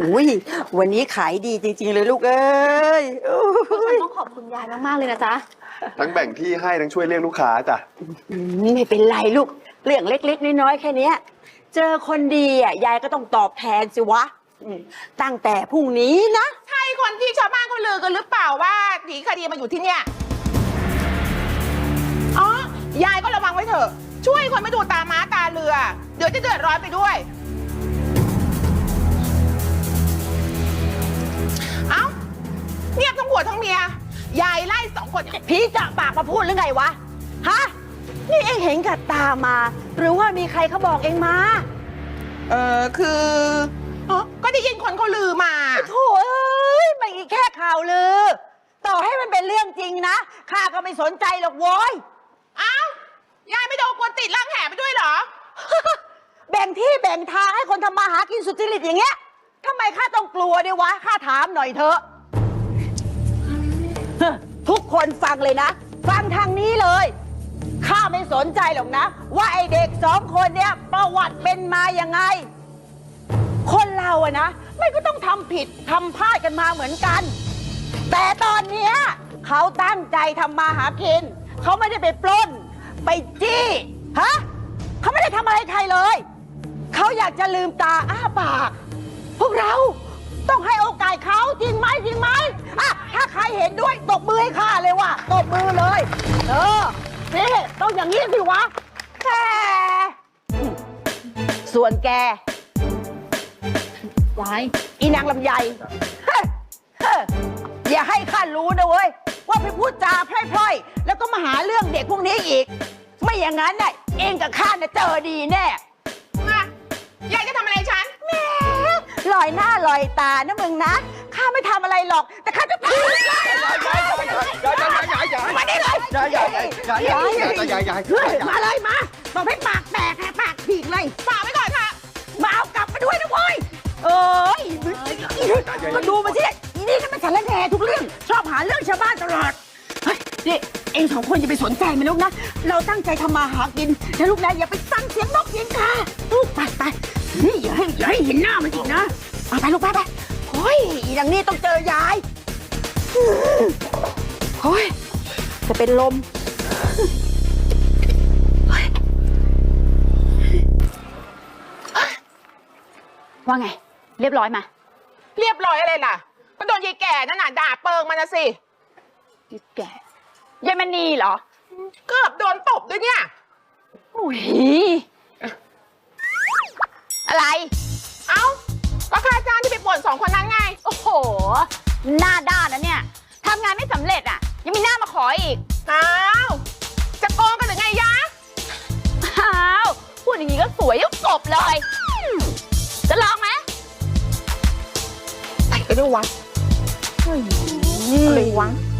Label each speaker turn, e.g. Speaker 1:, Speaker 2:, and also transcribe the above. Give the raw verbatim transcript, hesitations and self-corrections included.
Speaker 1: อุ้ยวันนี้ขายดีจริงๆเลยลูกเอ้ยฉัน
Speaker 2: ต้องขอบคุณยายมากๆเลยนะจ๊ะ
Speaker 3: ทั้งแบ่งที่ให้ทั้งช่วยเรียกลูกค้าจ้ะ
Speaker 1: ไม่เป็นไรลูกเรื่องเล็กๆน้อยๆแค่นี้เจอคนดีอ่ะยายก็ต้องตอบแทนสิวะตั้งแต่พรุ่งนี้นะ
Speaker 4: ใช่คนที่ชาวบ้านเขาลือกันหรือเปล่าว่าหนีคดีมาอยู่ที่เนี่ยอ๋อยายก็ระวังไว้เถอะช่วยคนไม่ดูตาม้าตาเรือเดี๋ยวจะเดือดร้อนไปด้วยเอ้าเงียบทั้งผัวทั้งเมียยายไล่สองคน
Speaker 1: พี่จะปากมาพูดหรือไงวะฮะนี่เองเห็นกับตามาหรือว่ามีใครเขาบอกเองมา
Speaker 4: เออคืออ๋อก็ได้ยินคนเขาลือมา
Speaker 1: โถ่เอ้ยมันอีกแค่ข่าวลือต่อให้มันเป็นเรื่องจริงนะข้าก็ไม่สนใจหรอกโว้ย
Speaker 4: เอ้ายายไม่โดนกวนติดล่างแห่ไปด้วยเหรอ
Speaker 1: แบ่งที่แบ่งทางให้คนทำมาหากินสุจริตอย่างเงี้ยทำไมข้าต้องกลัวด้วยวะข้าถามหน่อยเถอะทุกคนฟังเลยนะฟังทางนี้เลยข้าไม่สนใจหรอกนะว่าไอเด็กสองคนเนี้ยประวัติเป็นมายังไงคนเราอะนะไม่ก็ต้องทำผิดทำพลาดกันมาเหมือนกันแต่ตอนเนี้ยเขาตั้งใจทำมาหากินเขาไม่ได้ไปปล้นไปจี้ฮะเขาไม่ได้ทำอะไรใครเลยเขาอยากจะลืมตาอ้าปากพวกเราต้องให้โอกาสเขาจริงไหมจริงไหมอ่ะถ้าใครเห็นด้วยตบมือให้ข้าเลยว่ะตบมือเลยเออนี่ต้องอย่างนี้สิวะแกส่วนแก
Speaker 2: ยาย
Speaker 1: อีนางลำไยอย่าให้ข้ารู้นะเว้ยว่าไปพูดจาพล่อยๆแล้วก็มาหาเรื่องเด็กพวกนี้อีกไม่อย่างนั้นน่ะเองกับข้าน่ะเจอดีแน่
Speaker 4: ยายจะทำอะไรฉัน
Speaker 1: แหมลอยหน้าลอยตานะมึงนะข้าไม่ทำอะไรหรอกแต่ข้าจะพูด
Speaker 3: ยายยายยายยายยาย
Speaker 1: มาได้เลย
Speaker 3: ยายยายยายยายยายยายยาย
Speaker 1: มาเลยมาบอกให้ปากแตกแหกปากฉีกเลย
Speaker 4: ฝากไว้ก่อนค่ะ
Speaker 1: มาเอากลับมาด้วยนะเว้ยเอ้ยมาดูมาสิอีนี่นั่นมันสารแหน่ทุกเรื่องชอบหาเรื่องชาวบ้านตลอดเฮ้ยนี่เองสองคนอย่าไปสนใจมันลูกนะเราตั้งใจทำมาหากินนะลูกนะอย่าไปสั่งเสียงนกเสียงกาลูกไปไปนี่อย่าให้อย่าให้เห็นหน้ามันอีกนะไปไปลูกไปไปโอ้ยอย่างนี้ต้องเจอยายโอ้ยจะเป็นลม
Speaker 2: ว่าไงเรียบร้อยมา
Speaker 4: เรียบร้อยอะไรล่ะก็โดนยายแก่นั่นน่ะด่าเปิงมันนะสิ
Speaker 2: ยายแก่ยายมณีเหรอ
Speaker 4: เกือบโดนตบด้วยเนี่ย
Speaker 2: อุ้ยอะไร
Speaker 4: เอ้าก็ค่าจ้างที่ไปป่วนสองคนนั้นไง
Speaker 2: โอ้โหหน้าด้านนะเนี่ยทำงานไม่สำเร็จอ่ะยังมีหน้ามาขออีก
Speaker 4: อ้าวจะโกงกันหรือไงยะ
Speaker 2: อ้าวพูดอย่างนี้ก็สวยยิ่งกบเลยจะลองไหม
Speaker 4: ไปก็ได้วะ
Speaker 2: อะไรวะ